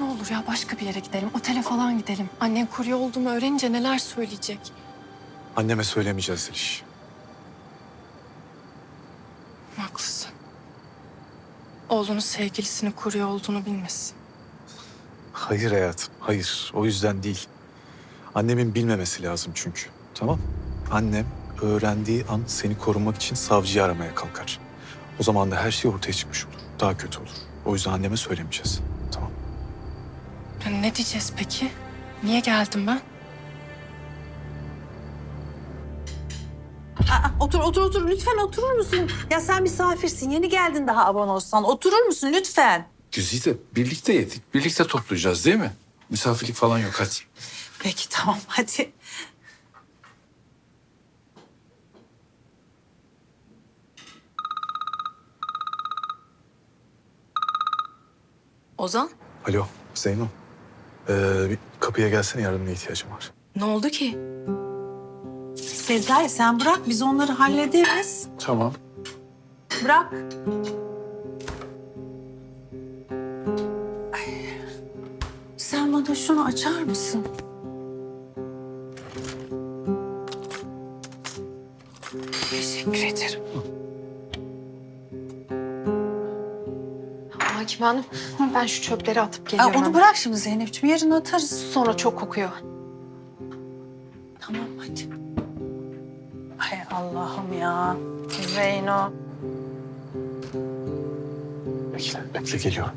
Ne olur ya başka bir yere gidelim. Otele falan gidelim. Annen kurye olduğumu öğrenince neler söyleyecek? Anneme söylemeyeceğiz Zeliş. Haklısın. Oğlunun sevgilisinin kurye olduğunu bilmesin. Hayır hayatım, hayır. O yüzden değil. Annemin bilmemesi lazım çünkü. Tamam? Annem öğrendiği an seni korumak için savcıyı aramaya kalkar. O zaman da her şey ortaya çıkmış olur. Daha kötü olur. O yüzden anneme söylemeyeceğiz. Tamam? Ya ne diyeceğiz peki? Niye geldim ben? Otur. Lütfen oturur musun? Ya sen misafirsin. Yeni geldin daha Avanos'tan. Oturur musun lütfen? Güzide birlikte yedik. Birlikte toplayacağız değil mi? Misafirlik falan yok hadi. Peki tamam hadi. Ozan, Alo, Zeyno. Bir kapıya gelsene, yardımına ihtiyacım var. ne oldu ki? Sezai sen bırak biz onları hallederiz. Tamam. Bırak. Ay, sen bana şunu açar mısın? Teşekkür ederim. Hakim Hanım, ben şu çöpleri atıp Aa, geliyorum. onu hemen. bırak şimdi Zeynep'ciğim. Yarın atarız. Sonra çok kokuyor. Tamam hadi. Ay Allah'ım ya. Zeyno. Bekle geliyorum.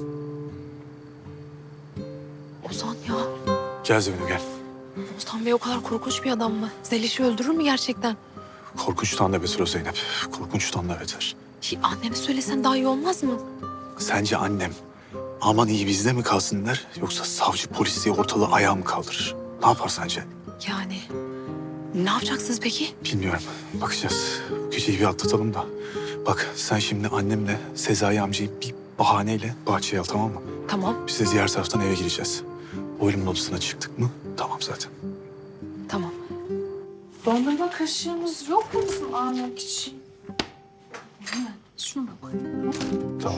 Ozan ya, Gel Zeyno gel. Ozan Bey o kadar korkunç bir adam mı? Zeliş'i öldürür mü gerçekten? Korkunçtan da beter o Zeynep. Korkunçtan da beter. Annene söylesen daha iyi olmaz mı? Sence annem aman iyi bizde mi kalsın der, yoksa savcı polis diye ortalığı ayağa mı kaldırır? Ne yapar sence? Yani ne yapacaksınız peki? Bilmiyorum. Bakacağız. Bu geceyi bir atlatalım da. Bak sen şimdi annemle Sezai amcayı bir bahaneyle bahçeye al, tamam mı? Tamam, Biz de diğer taraftan eve gireceğiz. Oğlumun odasına çıktık mı? Tamam zaten. tamam. Dondurma kaşığımız yok mu bizim almak için? Şunu da koy. Tamam.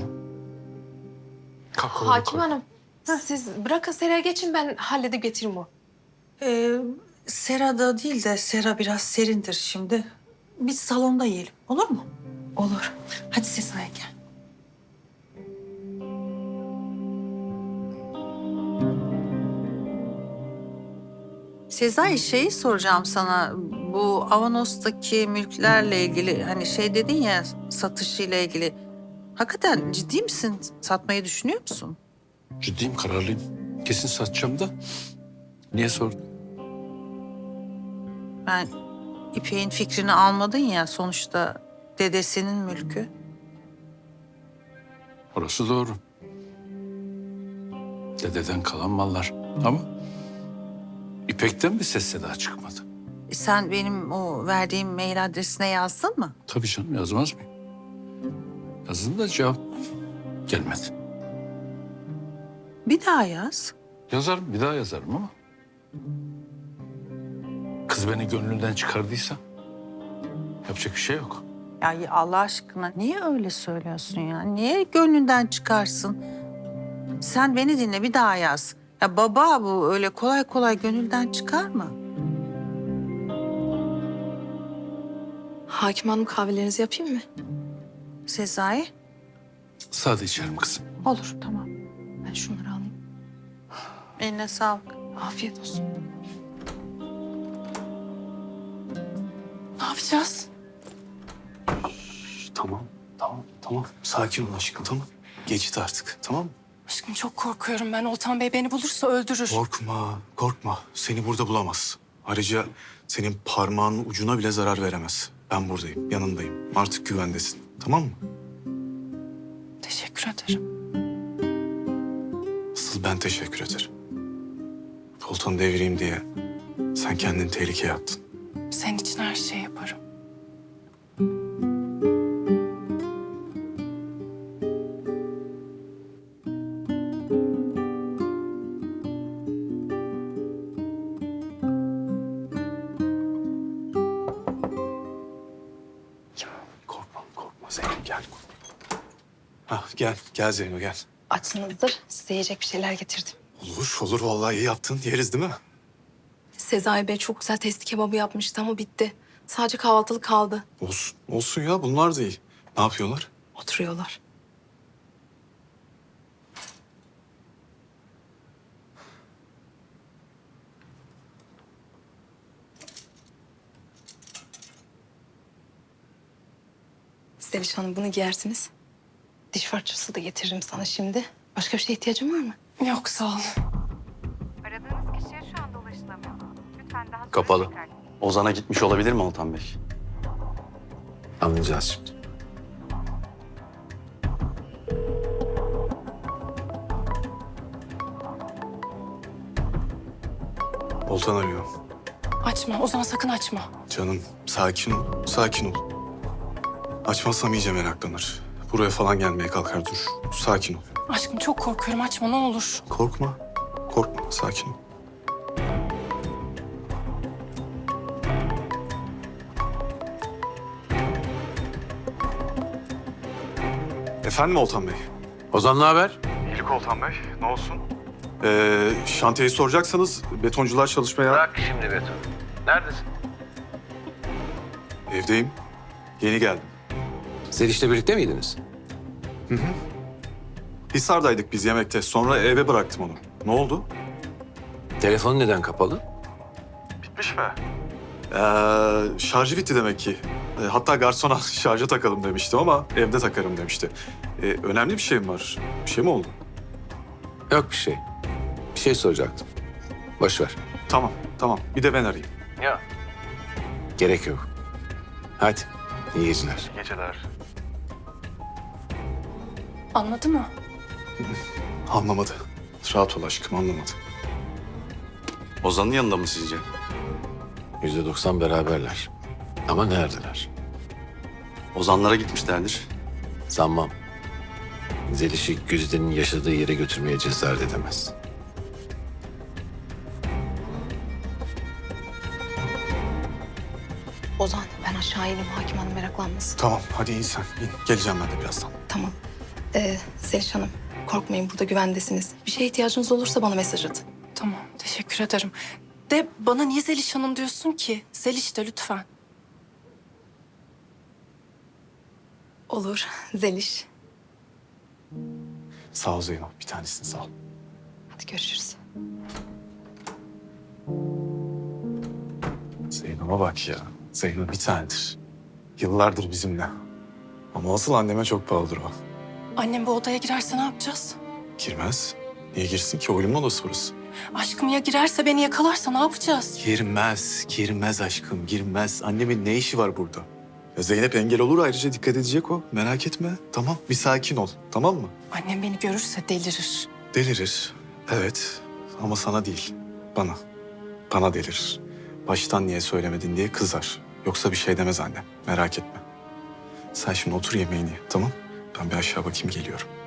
Hakim Hanım, siz bırakın Sera'ya geçin ben halledip getiririm o. Serada değil de Sera biraz serindir şimdi. Biz salonda yiyelim. Olur mu? Olur. Hadi Sezai gel. Sezai şeyi soracağım sana. Bu Avanos'taki mülklerle ilgili hani şey dedin ya satışıyla ilgili. Hakikaten ciddi misin? Satmayı düşünüyor musun? Ciddiyim, kararlıyım. Kesin satacağım da. Niye sordun? Ben İpek'in fikrini almadın ya sonuçta dedesinin mülkü. Orası doğru. Dededen kalan mallar. Ama İpek'ten bir ses seda çıkmadı. Sen benim o verdiğim mail adresine yazdın mı? Tabii canım, yazmaz mıyım? Yazın da cevap gelmedi. Bir daha yaz. Yazarım, bir daha yazarım ama. Kız beni gönlünden çıkardıysa yapacak bir şey yok. Ya Allah aşkına niye öyle söylüyorsun ya? Niye gönlünden çıkarsın? Sen beni dinle bir daha yaz. Ya baba bu öyle kolay kolay gönülden çıkar mı? Hakim Hanım kahvelerinizi yapayım mı? Sezai? Sade içerim kızım. Olur tamam. Ben şunları alayım. Eline sağlık. Afiyet olsun. Ne yapacağız? Tamam. Sakin ol aşkım, tamam. Geçti artık, tamam mı? Aşkım çok korkuyorum ben. Oltan Bey beni bulursa öldürür. Korkma. Seni burada bulamaz. Ayrıca senin parmağının ucuna bile zarar veremez. Ben buradayım, yanındayım. Artık güvendesin, tamam mı? Teşekkür ederim. Asıl ben teşekkür ederim. Koltuğunu devireyim diye sen kendini tehlikeye attın. Senin için her şeyi yaparım. Korkma Zeynep, gel. Gel Zeyno, gel. Açsınızdır. Size yiyecek bir şeyler getirdim. Olur, olur. Vallahi iyi yaptın. Yeriz değil mi? Sezai Bey çok güzel testi kebabı yapmıştı ama bitti. Sadece kahvaltılık kaldı. Olsun. Olsun ya. Bunlar da iyi. Ne yapıyorlar? Oturuyorlar. Zeliş Hanım bunu giyersiniz. Diş fırçası da getiririm sana şimdi. Başka bir şeye ihtiyacın var mı? Yok sağ ol. Aradığınız kişiye şu anda ulaşılamıyor. Lütfen daha sonra Kapalı. tekrar... Ozan'a gitmiş olabilir mi Altan Bey? Anlayacağız şimdi. Oltan arıyor. Açma Ozan, sakın açma. Canım sakin ol. Sakin ol. Açmazsam iyice meraklanır. Buraya falan gelmeye kalkar. Dur. Sakin ol. Aşkım çok korkuyorum, açma ne olur. Korkma. Korkma. Sakin ol. Efendim Oltan Bey? Ozan ne haber? İyilik Oltan Bey. Ne olsun? Şantiyeyi soracaksanız betoncular çalışmaya... Bırak şimdi beton. Neredesin? Evdeyim. Yeni geldim. Zeliş'le birlikte miydiniz? Hisar'daydık biz yemekte. Sonra eve bıraktım onu. Ne oldu? Telefonu neden kapalı? Bitmiş mi? Şarjı bitti demek ki. Hatta garsona şarja takalım demiştim ama evde takarım demişti. Önemli bir şey mi var? Bir şey mi oldu? Yok bir şey. Bir şey soracaktım. Boş ver. Tamam, tamam. Bir de ben arayayım. Gerek yok. Hadi. İyi geceler. Geceler. Anladı mı? Anlamadı. Rahat ol aşkım, anlamadı. Ozan'ın yanında mı sizce? %90 beraberler. Ama neredeler? Ozanlara gitmişlerdir. Sanmam. Zeliş'i Güzide'nin yaşadığı yere götürmeye cesaret edemez. Ozan ben aşağı ineyim, hakim hanım meraklanmasın. Tamam, hadi in sen. İn. Geleceğim ben de birazdan. Tamam. Zeliş Hanım korkmayın, burada güvendesiniz. Bir şeye ihtiyacınız olursa bana mesaj atın. Tamam, teşekkür ederim. De bana niye Zeliş Hanım diyorsun ki? Zeliş de lütfen. Olur Zeliş. Sağ ol Zeyno. Bir tanesini sağ ol. Hadi görüşürüz. Zeyno'ma bak ya. Zeyno bir tanedir. Yıllardır bizimle. Ama asıl anneme çok pahalıdır o. Annem bu odaya girerse ne yapacağız? Girmez. Niye girsin ki? Oyunun odası burası. Aşkım ya girerse, beni yakalarsa ne yapacağız? Girmez, girmez aşkım, girmez. Annemin ne işi var burada? Ya Zeynep engel olur, ayrıca dikkat edecek o. Merak etme. Tamam, bir sakin ol. Tamam mı? Annem beni görürse delirir. Delirir. Evet. Ama sana değil. Bana. Bana delirir. Baştan niye söylemedin diye kızar. Yoksa bir şey demez annem. Merak etme. Sen şimdi otur yemeğini ye, tamam? Ben bir aşağı bakayım, geliyorum.